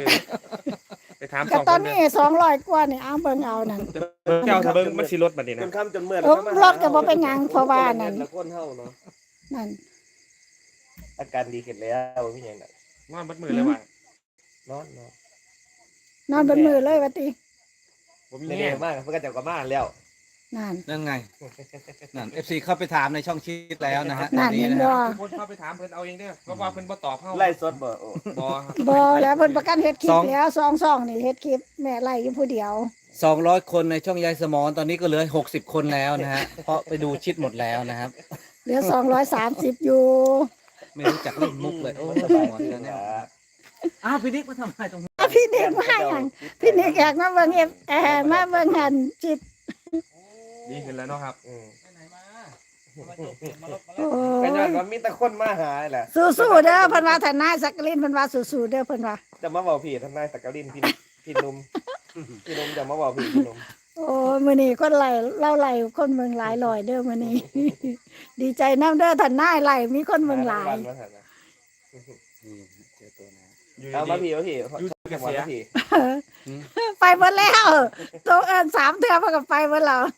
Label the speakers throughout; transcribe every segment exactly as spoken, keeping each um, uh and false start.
Speaker 1: ไปถามส
Speaker 2: ก็
Speaker 1: อง
Speaker 2: ต
Speaker 1: ค
Speaker 2: อน
Speaker 1: น
Speaker 2: นี้
Speaker 1: เนี่ย
Speaker 2: สองร้อยกว่านี่เอาเบิ่งเอานั่น
Speaker 1: เจ้าถ้าเบิ่งมันสิลดบัดนี้
Speaker 3: จ
Speaker 1: นะ
Speaker 3: นค่ำจนเมื่อ
Speaker 2: เออรถก็บ่เป็นหยังเพราะว่านั่น
Speaker 3: ละคนเฮาเนาะ
Speaker 2: นั่น
Speaker 3: อาการดีขึ้นแล้วมีหยังไง
Speaker 1: นอนบัดมือเลยว่ะ
Speaker 3: นอนนอน
Speaker 2: นอนบนมือเลยว่าติ
Speaker 1: ผมมี
Speaker 3: เรี
Speaker 1: แง่
Speaker 3: ยนมากเพิ่นก็จะกลับมาแล้ว
Speaker 2: นั่น
Speaker 4: นั่นไงนั่นเอฟซีเข้าไปถามในช่องชีตแล้วนะฮะ
Speaker 2: นั่น
Speaker 4: ตอ
Speaker 2: เห็น
Speaker 4: นะ
Speaker 2: บ่
Speaker 4: ฮะ
Speaker 1: ทุกคนเข้าไปถามเพิ่นเอาเองเด้อเพราะว่าเพิ่นบ่ตอบเฮา
Speaker 3: ไล่สดบ่โอ้
Speaker 1: บ่ครับ
Speaker 2: บ่แล้วเพิ่นประกันเฮ็ดคลิปแล้วสองสองนี่เฮ็ดคลิปแม่ไล่อยู่ผู้เดียว
Speaker 4: สองร้อยคนในช่องยายสมอนตอนนี้ก็เหลือหกสิบคนแล้วนะฮะเพราะไปดูชิดหมดแล้วนะครับ
Speaker 2: เหลือสองร้อยสามสิบอยู่
Speaker 4: ไม่รู้จักเล่นมุกเลยโอ้สมอนแล้วเนี่ยอ้าวพี่นิกมาทำอะไรตรงนี้
Speaker 2: อ่ะพี่เด็กมาหยังพี่เด็กอยากมาเบิ่งเอฟเออมาเบิ่งหันจิต
Speaker 1: ดีขึ้นแล้วเนาะครับ
Speaker 3: อืม
Speaker 4: ไปไหนมา
Speaker 2: โอ้
Speaker 3: ก็ย้อน
Speaker 2: ย
Speaker 3: ว่ามีแต่คนมาหาแหละ
Speaker 2: สู้ๆเด้อเพิ่นว่าทนายสักกลินเพิ่นว่าสู้ๆเด้อเพิ่นว่า
Speaker 3: จะมาบอกพี่ทนายสักกลินพี่พี่หนุ่มพี่หนุ่มจะมาบอกพี่พี่หนุ่ม
Speaker 2: โอ้ยมื้อนี้คนไล่เล่าไล่คนเมืองหลายร้อยเด้อมื้อนี้ ดีใจนำเด้อทนายไล่มีคนเมืองหลาย
Speaker 3: มาหานะ
Speaker 4: นี่เจอตัวนะ
Speaker 1: อยู่
Speaker 3: เอามา
Speaker 1: ดี
Speaker 3: พี่มาพี่
Speaker 1: อยู่
Speaker 3: ชอบ
Speaker 1: เก
Speaker 3: จังหวะ
Speaker 1: ษียณ
Speaker 3: มาพี่
Speaker 2: ไปเบิดแล้วตัวเอิ้นสามเทื่อเพิ่นก็ไปเบิดแล้ว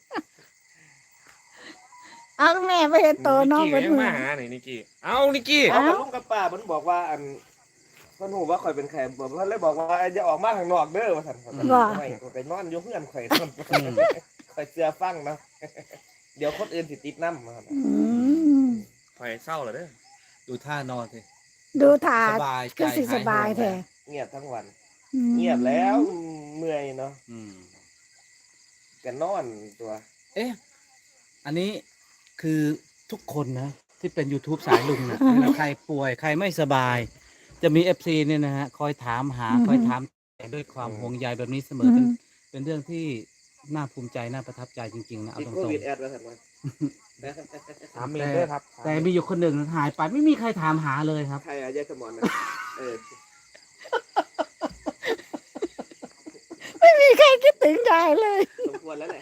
Speaker 2: เอาแม่ไปเห็นโตน้อง
Speaker 1: นิก
Speaker 2: เบิ
Speaker 1: กี้
Speaker 2: ด
Speaker 1: ก็ยัง
Speaker 2: มื้
Speaker 1: มา
Speaker 2: อ
Speaker 1: หาหน่อยนิกกี้เอานิกกี้
Speaker 3: เอากับลุงกับป้ามันบอกว่าอันเพิ่นฮู้ว่าข่อยเป็นใครบอกเพิ่นเลยบอกว่าอย่าออกมาข้างนอกเด้อว่าซั่นไม่ข่อยไปนอนอยู่เฮือนข่อยซั่นข่อยเชื่อฟังเนาะเดี๋ยวคนอื่นสิติดนำว่าซั่น
Speaker 2: อืม
Speaker 1: ข่อยเศร้าแล้วเด้อ
Speaker 4: ดูท่านอนสิ
Speaker 2: ดูท่า
Speaker 4: สบายใจ
Speaker 2: คือสิสบายแท้
Speaker 3: เงียบทั้งวัน
Speaker 2: อืม
Speaker 3: เงียบแล้วเมื่อยเนาะ
Speaker 4: อืม
Speaker 3: ก็นอนตัว
Speaker 4: เอ๊ะอันนี้คือทุกคนนะ ที่เป็น YouTube สายลุงนะเวลาใครป่วยใครไม่สบาย จะมี เอฟ ซี เนี่ยนะฮะคอยถามหาคอยถามด้วยความห่วงใยแบบนี้เสมอเป็นเป็นเรื่องที่น่าภูมิใจน่าประทับใจจริงๆนะเอา
Speaker 3: ติด
Speaker 4: ตร
Speaker 3: โค
Speaker 4: ง
Speaker 3: วิดแอดว่าซั่นว่า
Speaker 1: ถามเองเด้อครับ
Speaker 4: ๆแต่มีอยู่คนหนึ่งหายไปไม่มีใครถามหาเลยครับ
Speaker 3: ใครอะยายสมอนนะเออ
Speaker 2: ไม่มีใครคิดถึงยายเลย
Speaker 3: สมควรแล้วแหละ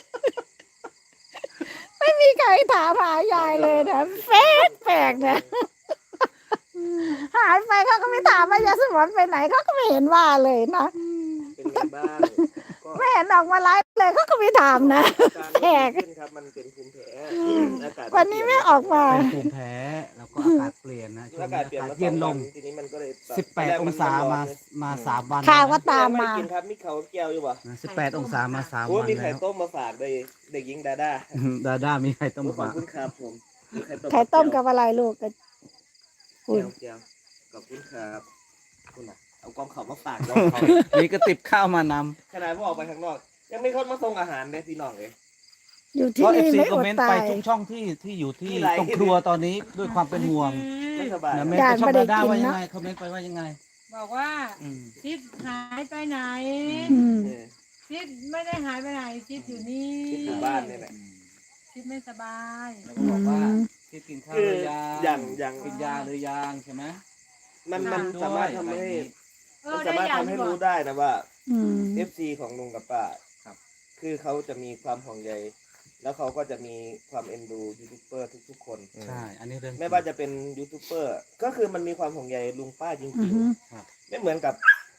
Speaker 2: ไม่มีใครถามหายายเลยนะแปลกแปลกนะหายไปเขาก็ไม่ถามว่ายายสมรไปไหนเขาก็ไม่เห็นว่าเลยนะ
Speaker 3: เป็นไงบ้างก็
Speaker 2: ไม่เห็นออกมาไลฟ์เลยเขาก็ไม่ถามนะ
Speaker 3: การ
Speaker 2: แปลก
Speaker 3: ขึ้นครับมันเป็นภูมิแพ้อากาศ
Speaker 2: วันนี้ไม่ออกมา
Speaker 4: เป็นภูมิแพ้แล้วก็อากาศเปลี่ยนนะช่ว
Speaker 3: อาง
Speaker 4: นี้
Speaker 3: กาศเปลี่ยน
Speaker 4: อากาศ
Speaker 3: มา
Speaker 4: เย็นลง
Speaker 3: สอวัทีนี้มันก็เลย
Speaker 4: สิบแปดองศามามาสามวัน
Speaker 2: ข่าวก็ตาม
Speaker 3: ไม่
Speaker 2: มา
Speaker 3: ได้กินครับมีเขาวแก้วอยู่ป่ะ
Speaker 4: สิบแปดองศามาสาม
Speaker 3: โอ้
Speaker 4: วัน
Speaker 3: มีไข่
Speaker 4: แล้ว
Speaker 3: ต้มมาฝากเลยเด็กหญิงดาด้า
Speaker 4: ดาด้ามีใครต้อง
Speaker 3: ข
Speaker 4: มา
Speaker 3: อบ
Speaker 4: ฝาก
Speaker 3: คุณครับผมมีไข่ต้ม
Speaker 2: ไข่ต้มกับอะไรลูกกัน
Speaker 3: แก้วแก้วขอบคุณครับคุณน่ะเอากองเขามาฝากเราเขา
Speaker 4: มีกระติบข้าวมาน
Speaker 3: ขนาดพอออกไปข้างนอก ยังไม่คนมาส่งอาหารเลยพี่น้องเลย
Speaker 2: อยู่
Speaker 4: ำเพ
Speaker 2: ที่
Speaker 4: ราะเอฟ
Speaker 2: นี่
Speaker 4: ซี
Speaker 2: ไม่
Speaker 4: คอ
Speaker 2: อ
Speaker 4: ม
Speaker 2: ด
Speaker 4: เมนต์
Speaker 2: ตา
Speaker 4: ไป
Speaker 2: ย
Speaker 4: ทุกช่องที่ที่อยู่ที่
Speaker 3: มีหลาย
Speaker 4: ตรงครัวตอนนี้ด้วยความเป็นห่วง
Speaker 3: ไม่สบาย
Speaker 4: นะเมนต์ไปช่องดาด้าว่ายังไงคอมเมนต์ไปว่ายังไง
Speaker 5: บอกว่า
Speaker 4: อืม
Speaker 5: ชิดหายไปไหน
Speaker 2: อืม
Speaker 3: เออ
Speaker 5: ชิดไม่ได้หายไปไหนชิดอยู่นี่
Speaker 3: คิดอยู่บ้านนี่แหละ
Speaker 5: ชิดไม่สบาย
Speaker 4: แล้วก็บอกว่าที่กินข้าว
Speaker 3: คื
Speaker 4: ห
Speaker 3: อ
Speaker 4: รือยัง
Speaker 3: อย่างอย่าง
Speaker 4: กินยาหรือยังใช่ไหม
Speaker 3: มันมัน
Speaker 4: ด้วย
Speaker 3: สามารถทำให้
Speaker 5: เอ
Speaker 3: มั
Speaker 5: อน
Speaker 3: สามารถ
Speaker 5: ได้
Speaker 3: ทำให้
Speaker 5: อย่าง
Speaker 3: รู้
Speaker 5: บอก
Speaker 3: ได้นะว่า
Speaker 2: อืม
Speaker 3: เอฟซีของลุงกับป้า
Speaker 4: ครับ
Speaker 3: คือเขาจะมีความห่วงใยแล้วเขาก็จะมีความเอ็นดูยูทูบเบอร์ทุกๆคน
Speaker 4: ใช่ อันนี้เรื่อง
Speaker 3: ไม่ว่าจะเป็นยูทูบเบอร์ก็คือมันมีความห่วงใยลุงป้าจ
Speaker 2: อื
Speaker 3: ริ
Speaker 2: อง ฮึ
Speaker 3: ๆ ไม่เหมือนกับ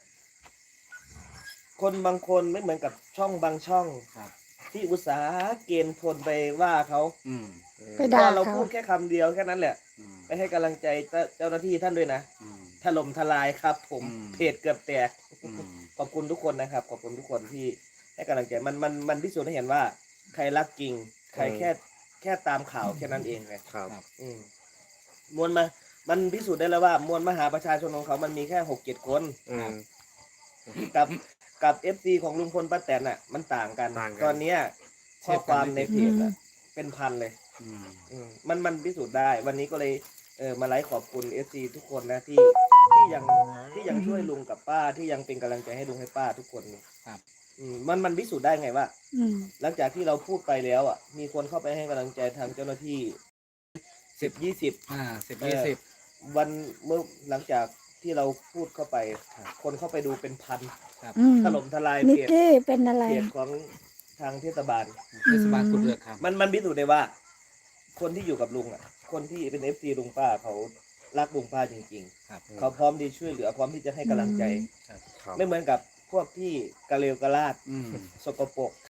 Speaker 3: คนบางคนไม่เหมือนกับช่องบางช่อง
Speaker 4: ครับ
Speaker 3: ที่อุตสาห์เกณฑ์คนไปว่าเขา
Speaker 4: อืม
Speaker 2: ไปด่า
Speaker 3: ว่าเรา
Speaker 2: เขา
Speaker 3: พูดแค่คำเดียวแค่นั้นแหละ
Speaker 4: อืม
Speaker 3: ไปให้กำลังใจเจ้าหน้าที่ท่านด้วยนะ
Speaker 4: อืม
Speaker 3: ถล่มทลายครับ ผม
Speaker 4: อืม
Speaker 3: เพจเกือบแตก
Speaker 4: อืม
Speaker 3: ขอบคุณทุกคนนะครับ ขอบคุณทุกคนที่ให้กำลังใจมันมันมันพิสูจน์ให้เห็นว่า ใครรักจริง ใครแค่แค่ตามข่าวแค่นั้นเองเลย
Speaker 1: ครับ
Speaker 3: อืมมวลมา มันพิสูจน์ได้แล้วว่ามวลมหาประชาชนของเขามันมีแค่หกเจ็ดคน
Speaker 1: อืม
Speaker 3: กับกับเอฟซีของลุงพลป้าแตนอ่ะ มันต่างกัน
Speaker 1: ต่างกัน
Speaker 3: ตอนเนี้ยข้อความในเพจอะเป็นพันเลย
Speaker 4: อืม
Speaker 3: อืมมันมันพิสูจน์ได้ วันนี้ก็เลยเออมาไลฟ์ขอบคุณเอฟซีทุกคนนะที่ที่ยังที่ยังช่วยลุงกับป้าที่ยังเป็นกำลังใจให้ลุงให้ป้าทุกคนนี่
Speaker 4: ครับ
Speaker 3: อืมมันมันพิสูจน์ได้ไงว่า
Speaker 2: อืม
Speaker 3: หลังจากที่เราพูดไปแล้วอ่ะ มีคนเข้าไปให้กำลังใจทางเจ้าหน้าที่สิบยี่สิบ
Speaker 4: อ่าสิบยี่สิบ
Speaker 3: วันเมื่อหลังจากที่เราพูดเข้าไป คนเข้าไปดูเป็นพัน
Speaker 2: อืม
Speaker 3: ถล่มทลาย
Speaker 2: นิก
Speaker 3: เพจ
Speaker 2: กี้เป็นอะไร
Speaker 3: เพจของทางเทศบาล
Speaker 4: เทศบาลกุดเลือกครับ
Speaker 3: มันมันพิสูจน์ได้ว่า คนที่อยู่กับลุงอ่ะ คนที่เป็นเอฟซีลุงป้าเขารักลุงป้าจริง
Speaker 4: ครับ
Speaker 3: ๆ เขาพร้อมที่ช่วยเหลือพร้อมที่จะให้กำลังใจ
Speaker 1: ครับ
Speaker 3: ไม่เหมือนกับพวกที่กระเลวกระลาด
Speaker 4: อืม
Speaker 3: สกปรก